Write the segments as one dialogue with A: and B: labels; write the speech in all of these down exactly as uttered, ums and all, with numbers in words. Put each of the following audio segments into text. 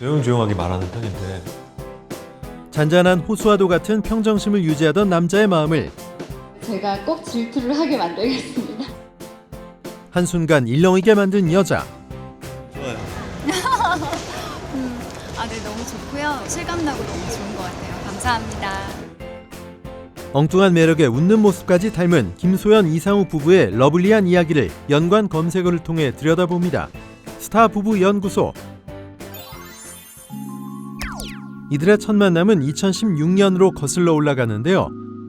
A: 조용조용하게 말하는 편인데
B: 잔잔한 호수와도 같은 평정심을 유지하던 남자의 마음을
C: 제가 꼭 질투를 하게 만들겠습니다.
B: 한순간 일렁이게 만든 여자.
A: 좋아요.
D: 음, 아, 네, 너무 좋고요. 실감나고 너무 좋은 것 같아요. 감사합니다.
B: 엉뚱한 매력에 웃는 모습까지 닮은 김소연 이상우 부부의 러블리한 이야기를 연관 검색어를 통해 들여다봅니다. 스타 부부 연구소. 이들의 첫 만남은 이천십육 년으로 거슬러 올라가는데요.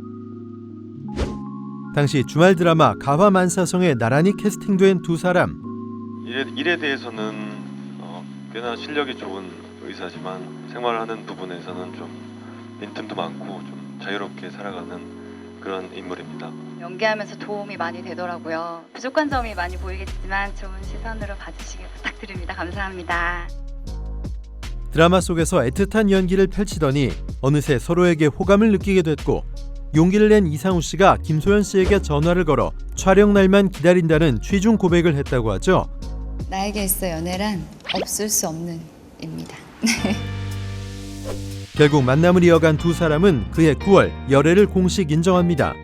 B: 당시 주말 드라마 가화만사성에 나란히 캐스팅된 두 사람.
E: 일에, 일에 대해서는 어, 꽤나 실력이 좋은 의사지만 생활하는 부분에서는 좀 빈틈도 많고 좀 자유롭게 살아가는 그런 인물입니다.
D: 연기하면서 도움이 많이 되더라고요. 부족한 점이 많이 보이겠지만 좋은 시선으로 봐주시길 부탁드립니다. 감사합니다.
B: 드라마 속에서 애틋한 연기를 펼치더니 어느새 서로에게 호감을 느끼게 됐고 용기를 낸 이상우 씨가 김소연 씨에게 전화를 걸어 촬영 날만 기다린다는 취중 고백을 했다고 하죠.
D: 나에게 있어 연애란 없을 수 없는 입니다.
B: 결국 만남을 이어간 두 사람은 그해 구월 열애를 공식 인정합니다.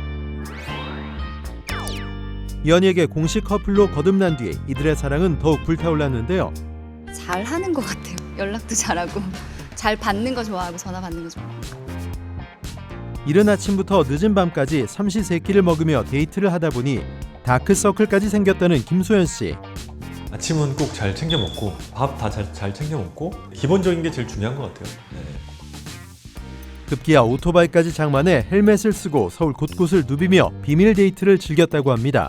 B: 연예계 공식 커플로 거듭난 뒤 이들의 사랑은 더욱 불타올랐는데요.
D: 잘하는 것 같아요. 연락도 잘하고 잘 받는 거 좋아하고 전화 받는 거 좋아하고.
B: 이른 아침부터 늦은 밤까지 삼시세끼를 먹으며 데이트를 하다 보니 다크서클까지 생겼다는 김소연 씨.
A: 아침은 꼭 잘 챙겨 먹고 밥 다 잘 잘 챙겨 먹고 기본적인 게 제일 중요한 것 같아요. 네.
B: 급기야 오토바이까지 장만해 헬멧을 쓰고 서울 곳곳을 누비며 비밀 데이트를 즐겼다고 합니다.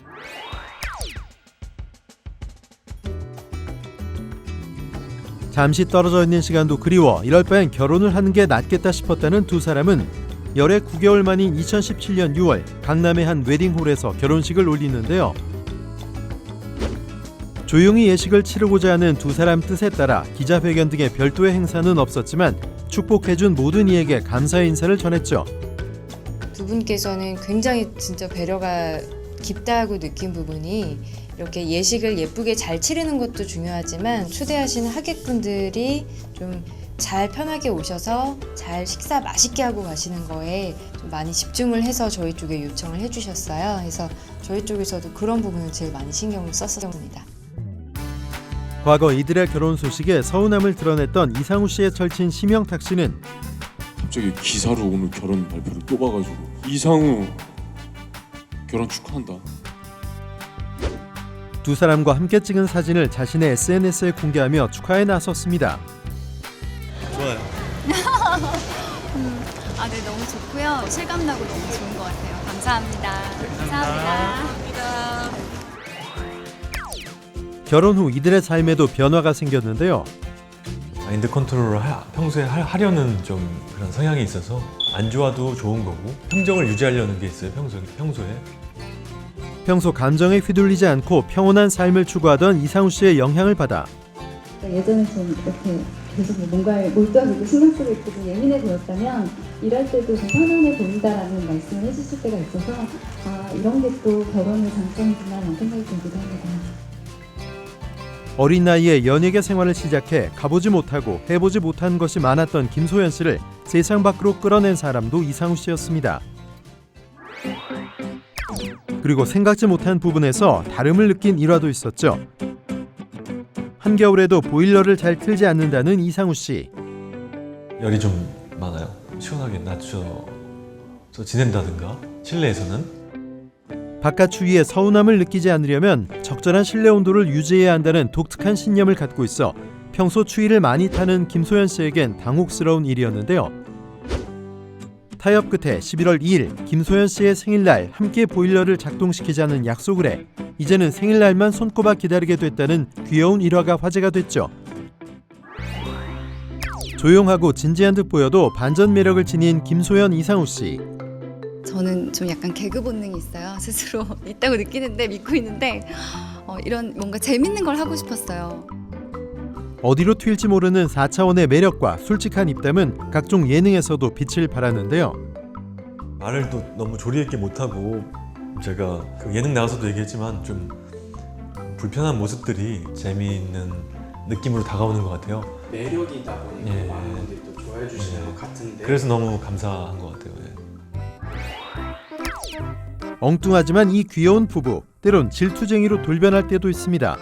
B: 잠시 떨어져 있는 시간도 그리워 이럴 바엔 결혼을 하는 게 낫겠다 싶었다는 두 사람은 열애 구 개월 만인 이천십칠 년 유월 강남의 한 웨딩홀에서 결혼식을 올리는데요. 조용히 예식을 치르고자 하는 두 사람 뜻에 따라 기자회견 등의 별도의 행사는 없었지만 축복해준 모든 이에게 감사의 인사를 전했죠.
F: 두 분께서는 굉장히 진짜 배려가 깊다고 느낀 부분이 이렇게 예식을 예쁘게 잘 치르는 것도 중요하지만 초대하신 하객분들이 좀 잘 편하게 오셔서 잘 식사 맛있게 하고 가시는 거에 좀 많이 집중을 해서 저희 쪽에 요청을 해주셨어요. 그래서 저희 쪽에서도 그런 부분을 제일 많이 신경을 썼습니다.
B: 과거 이들의 결혼 소식에 서운함을 드러냈던 이상우 씨의 절친 심영탁 씨는
G: 갑자기 기사로 오늘 결혼 발표를 또 봐가지고 이상우 결혼 축하한다.
B: 두 사람과 함께 찍은 사진을 자신의 에스엔에스에 공개하며 축하에 나섰습니다.
A: 좋아요.
D: 음, 아, 네, 너무 좋고요. 실감나고 너무 좋은 것 같아요. 감사합니다. 감사합니다.
B: 결혼 후 이들의 삶에도 변화가 생겼는데요.
A: 마인드 컨트롤을 하, 평소에 하, 하려는 좀 그런 성향이 있어서 안 좋아도 좋은 거고 평정을 유지하려는 게 있어요. 평소, 평소에.
B: 평소 감정에 휘둘리지 않고 평온한 삶을 추구하던 이상우 씨의 영향을 받아
C: 예전에 좀 이렇게 계속 뭔가에 몰두하고 신경 쓰고 있고 좀 예민해 보였다면 일할 때도 좀 편안해 보인다라는 말씀을 해주실 때가 있어서 아 이런 게 또 결혼의 장점이구나라는 생각이 들기도 합니다.
B: 어린 나이에 연예계 생활을 시작해 가보지 못하고 해보지 못한 것이 많았던 김소연 씨를 세상 밖으로 끌어낸 사람도 이상우 씨였습니다. 그리고 생각지 못한 부분에서 다름을 느낀 일화도 있었죠. 한겨울에도 보일러를 잘 틀지 않는다는 이상우 씨.
A: 열이 좀 많아요. 시원하게 낮춰서 지낸다든가 실내에서는.
B: 바깥 추위에 서운함을 느끼지 않으려면 적절한 실내 온도를 유지해야 한다는 독특한 신념을 갖고 있어 평소 추위를 많이 타는 김소연 씨에겐 당혹스러운 일이었는데요. 타협 끝에 십일월 이일 김소연 씨의 생일날 함께 보일러를 작동시키자는 약속을 해 이제는 생일날만 손꼽아 기다리게 됐다는 귀여운 일화가 화제가 됐죠. 조용하고 진지한 듯 보여도 반전 매력을 지닌 김소연 이상우 씨.
D: 저는 좀 약간 개그 본능이 있어요. 스스로 있다고 느끼는데 믿고 있는데 어, 이런 뭔가 재밌는 걸 하고 싶었어요.
B: 어디로 튈지 모르는 사 차원의 매력과 솔직한 입담은 각종 예능에서도 빛을 발하는데요.
A: 말을 또 너무 조리 있게 못하고 제가 그 예능 나와서도 얘기했지만 좀 불편한 모습들이 재미있는 느낌으로 다가오는 것 같아요.
H: 매력이다 보니까
A: 예.
H: 많은 분들이 또 좋아해 주시는
A: 예.
H: 것 같은데
A: 그래서 너무 감사한 것 같아요. 예.
B: 엉뚱하지만 이 귀여운 부부 때론 질투쟁이로 돌변할 때도 있습니다.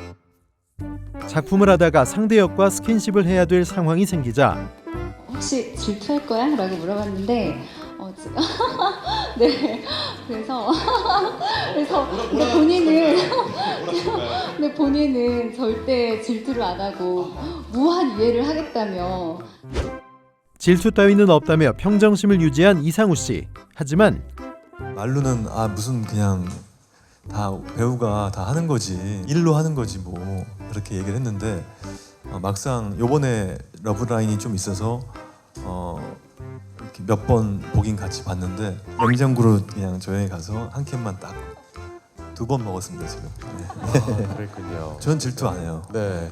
B: 작품을 하다가 상대 역과 스킨십을 해야 될 상황이 생기자
C: 혹시 질투할 거야? 라고 물어봤는데 어, 지- 네 그래서 그래서 근데 본인은 근데 본인은 절대 질투를 안 하고 무한 이해를 하겠다며
B: 질투 따위는 없다며 평정심을 유지한 이상우 씨. 하지만
A: 말로는 아 무슨 그냥 다 배우가 다 하는 거지 일로 하는 거지 뭐 그렇게 얘기를 했는데 어, 막상 요번에 러브라인이 좀 있어서 어, 이렇게 몇 번 보긴 같이 봤는데 냉장고로 그냥 저녁에 가서 한 캔만 딱 두 번 먹었습니다 지금. 네.
B: 그랬군요.
A: 전 질투 안 해요.
B: 네.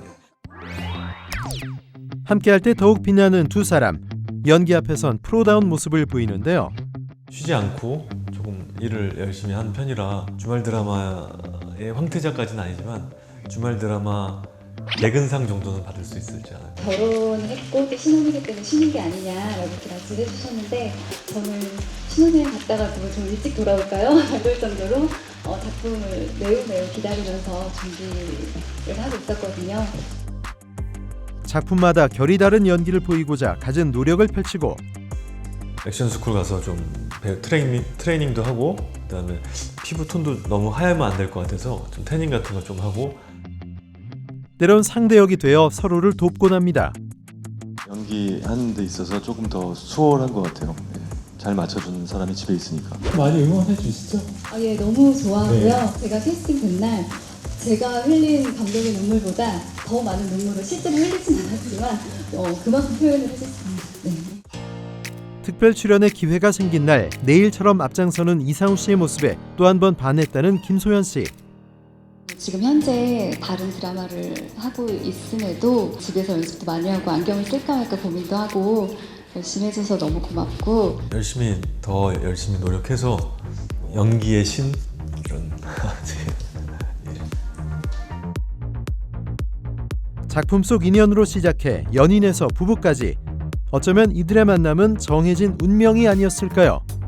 B: 함께할 때 더욱 빛나는 두 사람. 연기 앞에선 프로다운 모습을 보이는데요.
A: 쉬지 않고 조금 일을 열심히 한 편이라 주말 드라마의 황태자까지는 아니지만 주말 드라마 개근상 정도는 받을 수 있을지 않아요.
C: 결혼했고 또 신혼이기 때문에 쉬는 게 아니냐라고 이렇게 말씀을 해주셨는데 저는 신혼여행 갔다가 좀 일찍 돌아올까요? 이럴 정도로 어, 작품을 매우 매우 기다리면서 준비를 하고 있었거든요.
B: 작품마다 결이 다른 연기를 보이고자 갖은 노력을 펼치고
A: 액션 스쿨 가서 좀 배- 트레이닝, 트레이닝도 하고 그다음에 피부 톤도 너무 하얗면 안 될 것 같아서 좀 태닝 같은 거 좀 하고
B: 때론 상대역이 되어 서로를 돕곤 합니다.
E: 연기하는 데 있어서 조금 더 수월한 것 같아요. 네. 잘 맞춰주는 사람이 집에 있으니까.
H: 많이 응원해 주시죠?
C: 아, 예, 너무 좋아하고요. 제가 캐스팅 된날 제가 흘린 감동의 눈물보다 더 많은 눈물을 실제로 흘리진 않았지만 어, 그만큼 표현을 했었습니다. 네.
B: 특별 출연의 기회가 생긴 날 내일처럼 앞장서는 이상우 씨의 모습에 또 한 번 반했다는 김소연 씨.
C: 지금 현재 다른 드라마를 하고 있음에도 집에서 연습도 많이 하고 안경을 쓸까 말까 고민도 하고 열심히 해줘서 너무 고맙고
A: 열심히 더 열심히 노력해서 연기의 신 이런
B: 작품 속 인연으로 시작해 연인에서 부부까지 어쩌면 이들의 만남은 정해진 운명이 아니었을까요?